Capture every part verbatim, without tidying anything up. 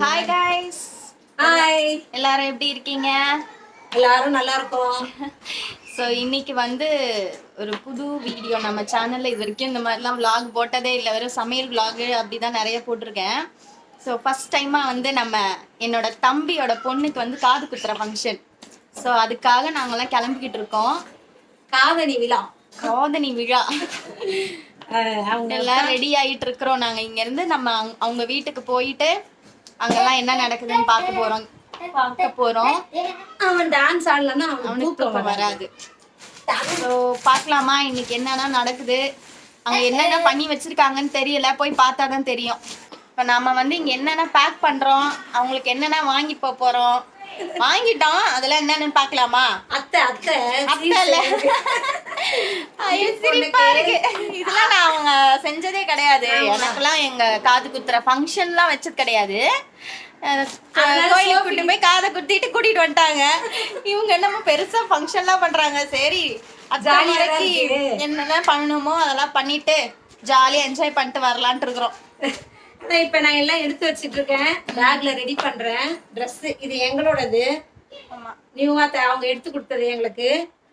Hi guys. Hi. எல்லாரும் எப்படி இருக்கீங்க? எல்லாரும் நல்லா இருக்கோம். ஸோ இன்னைக்கு வந்து ஒரு புது வீடியோ நம்ம சேனல்ல இது வரைக்கும் இந்த மாதிரிலாம் vlog போட்டதே இல்லை, வெறும் சமையல் vlog அப்படி தான் நிறைய போட்டிருக்கேன். ஸோ ஃபர்ஸ்ட் டைமாக வந்து நம்ம என்னோட தம்பியோட பொண்ணுக்கு வந்து காது குத்துற ஃபங்க்ஷன். ஸோ அதுக்காக நாங்கெல்லாம் கிளம்பிக்கிட்டு இருக்கோம். காதணி விழா காதணி விழா அவங்க எல்லாம் ரெடி ஆகிட்டு இருக்கிறோம். நாங்கள் இங்கேருந்து நம்ம அவங்க வீட்டுக்கு போயிட்டு அங்கெல்லாம் என்ன நடக்குதுன்னு பார்க்க போகிறோம் பார்க்க போகிறோம் அவன் டான்ஸ் ஆடலன்னா அவனுக்கு தூக்கம் வராது. ஸோ பார்க்கலாமா இன்னைக்கு என்னென்ன நடக்குது, அங்கே என்னென்ன பண்ணி வச்சிருக்காங்கன்னு தெரியல, போய் பார்த்தா தான் தெரியும். இப்போ நம்ம வந்து இங்கே என்னென்ன பேக் பண்ணுறோம், அவங்களுக்கு என்னென்ன வாங்கி போக போகிறோம், வாங்கிட்டோம் அதெல்லாம் என்னன்னு பார்க்கலாமா? அத்தை அத்தை அத்தை இல்ல, ஐயோ சிரிப்பா இருக்கு. இதெல்லாம் நான் அவங்க செஞ்சதே கிடையாது. எனக்கெல்லாம் எங்க காது குத்துற ஃபங்க்ஷன்லாம் வச்சது கிடையாது. கோயிலுக்கு கூட்டிட்டு போய் காதை குத்திட்டு கூட்டிட்டு வந்துட்டாங்க. இவங்க என்னமோ பெருசா ஃபங்க்ஷன்லாம் பண்றாங்க. சரி ஜாலியாக்கி என்னெல்லாம் பண்ணணுமோ அதெல்லாம் பண்ணிட்டு ஜாலியா என்ஜாய் பண்ணிட்டு வரலான்ட்டு இருக்கிறோம். இப்ப நான் எல்லாம் எடுத்து வச்சிட்டு இருக்கேன், பேக்ல ரெடி பண்றேன். ட்ரெஸ் இது எங்களோடது, நியூவா அவங்க எடுத்து கொடுத்தது எங்களுக்கு.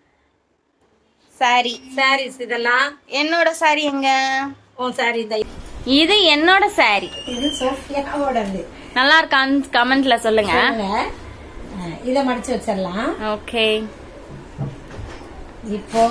சாரி சாரீஸ் இதெல்லாம் என்னோட சாரி. எங்க உன் சாரி இந்த இது என்னோட சாரி. இது சோஃபியாவோடது. நல்லா இருக்கான்னு கமெண்ட்ல சொல்லுங்க. இத மடிச்சு வச்சிடலாம். ஓகே. இப்போ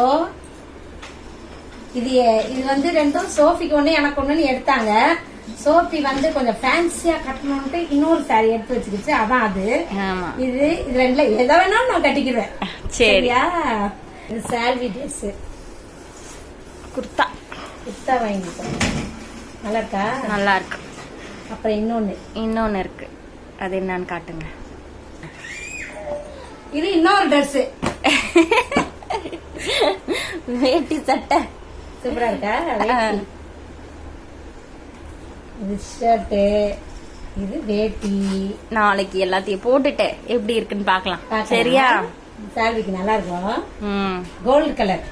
இது இது வந்து ரெண்டும் சோஃபிக்கு ஒண்ணு எனக்கு ஒண்ணுன்னு எடுத்தாங்க. சோஃபி வந்து கொஞ்சம் ஃபேன்சியா கட்டணும்ட்டு இன்னொரு சாரி எடுத்து வச்சுக்கிச்சு, அதான் அது. இது இது ரெண்டுல எதை வேணாலும் நான் கட்டிக்குவேன். சரியா? இது சால்வி ட்ரெஸ், குர்தா குர்தா வாங்கிட்டோம். நல்லா இருக்கா? நல்லா இருக்கு. அப்புறம் இன்னொன்னு இன்னொன்னு இருக்கு, அது என்னன்னு காட்டுங்க. இது இன்னொரு ட்ரெஸ், வேட்டி சட்டை. சூப்பரா இருக்கா? இது ஷர்ட், இது வேட்டி. நாளைக்கு எல்லாத்தையும் போட்டுட்டு எப்படி இருக்குன்னு பாக்கலாம். சரியா? சால்விக்கு நல்லா இருக்கும். கோல்டு கலர்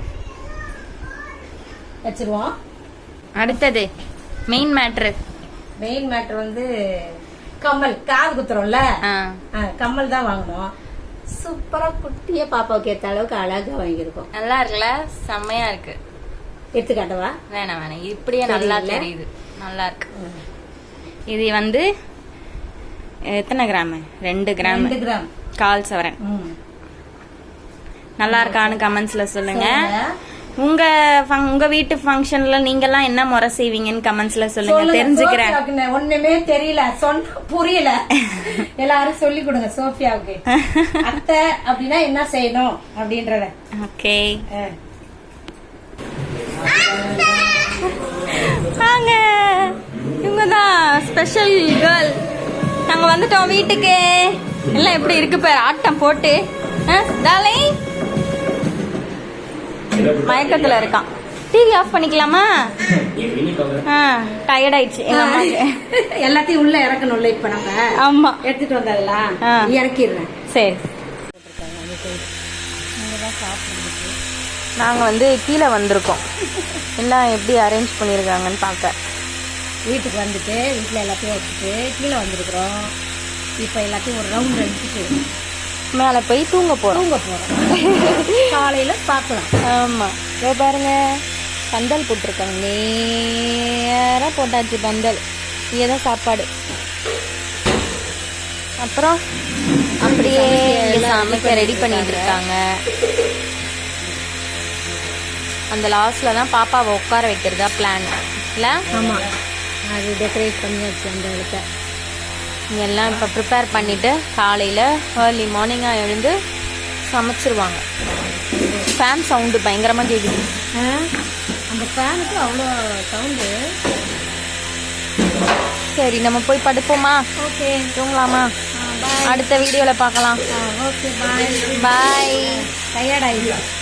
வச்சிருவோம். அடுத்தது மெயின் மேட்ரு. மெயின் மேட்ரு வந்து கம்மல். காது குத்துறோம்ல, கம்மல் தான் வாங்கணும். சூப்பரா குட்டிய பாப்பாவுக்கு ஏத்த அளவுக்கு அழகா வாங்கியிருக்கோம். நல்லா இருக்குல்ல? செம்மையா இருக்கு. எடுத்து காட்டவா? வேணாம் வேணாம், இப்படியே நல்லா தெரியுது. நல்லா இருக்கு. இது வந்து எத்தனை கிராம்? ரெண்டு கிராம். ரெண்டு கிராம் கால் சவரன். நல்லா இருக்கான்னு கமெண்ட்ஸ்ல சொல்லுங்க. உங்க உங்க வீட்டு ஃபங்க்ஷன்ல நீங்க எல்லாம் என்ன முறை செய்வீங்கன்னு கமெண்ட்ஸ்ல சொல்லுங்க, தெரிஞ்சுக்கிறேன். ஒண்ணுமே தெரியல, சொன்ன புரியல, எல்லாரும் சொல்லி கொடுங்க சோஃபியாவுக்கு. அத்தை அப்படின்னா என்ன செய்யணும் அப்படின்றத. ஓகே வாங்க, இவங்கதான் ஸ்பெஷல் கேர்ள். நாங்க வந்துட்டோம் வீட்டுக்கு. எல்லாம் எப்படி இருக்கு பாரு, ஆட்டம் போட்டு. மயக்கத்துல இருக்கான். டிவி ஆஃப் பண்ணிக்கலாமா? டயர்ட் ஆயிடுச்சு எங்க அம்மாக்கு. எல்லாத்தையும் உள்ள இறக்கணும்ல இப்ப நம்ம. ஆமா, எடுத்துட்டு வந்ததெல்லாம் இறக்கிடுறேன். சரி. நாங்க வந்து கீழே வந்திருக்கோம், எல்லாம் எப்படி அரேஞ்ச் பண்ணிருக்காங்கன்னு பார்க்க. வீட்டுக்கு வந்துட்டு வீட்டுல எல்லாத்தையும் வச்சுட்டு கீழே வந்திருக்கிறோம். இப்ப எல்லாத்தையும் ஒரு ரவுண்ட் அடிச்சுட்டு மேல போய் தூங்க போறோம். தூங்க போறோம் காலையில பாக்கலாம். ஆமா, இதோ பாருங்க பந்தல் போட்டிருக்காங்க. நேரா போட்டாச்சு பந்தல். இங்கதான் சாப்பாடு. அப்புறம் அப்படியே சமைக்க ரெடி பண்ணிட்டு இருக்காங்க. அந்த லாஸ்ட்ல தான் பாப்பாவை உட்கார வைக்கிறதா பிளான் இல்ல? ஆமா, அது டெக்கரேட் பண்ணியாச்சு அந்த இடத்த. எல்லாம் இப்போ ப்ரிப்பேர் பண்ணிட்டு காலையில் ஏர்லி மார்னிங்காக எழுந்து சமைச்சிருவாங்க. ஃபேன் சவுண்டு பயங்கரமாக கேட்குது. அந்த ஃபேனுக்கு அவ்வளோ சவுண்டு. சரி, நம்ம போய் படுப்போமா? ஓகே, தூங்கலாமா? அடுத்த வீடியோவில் பார்க்கலாம். ஓகே, பாய். பாய். டயர்ட் ஆயிடுச்சு.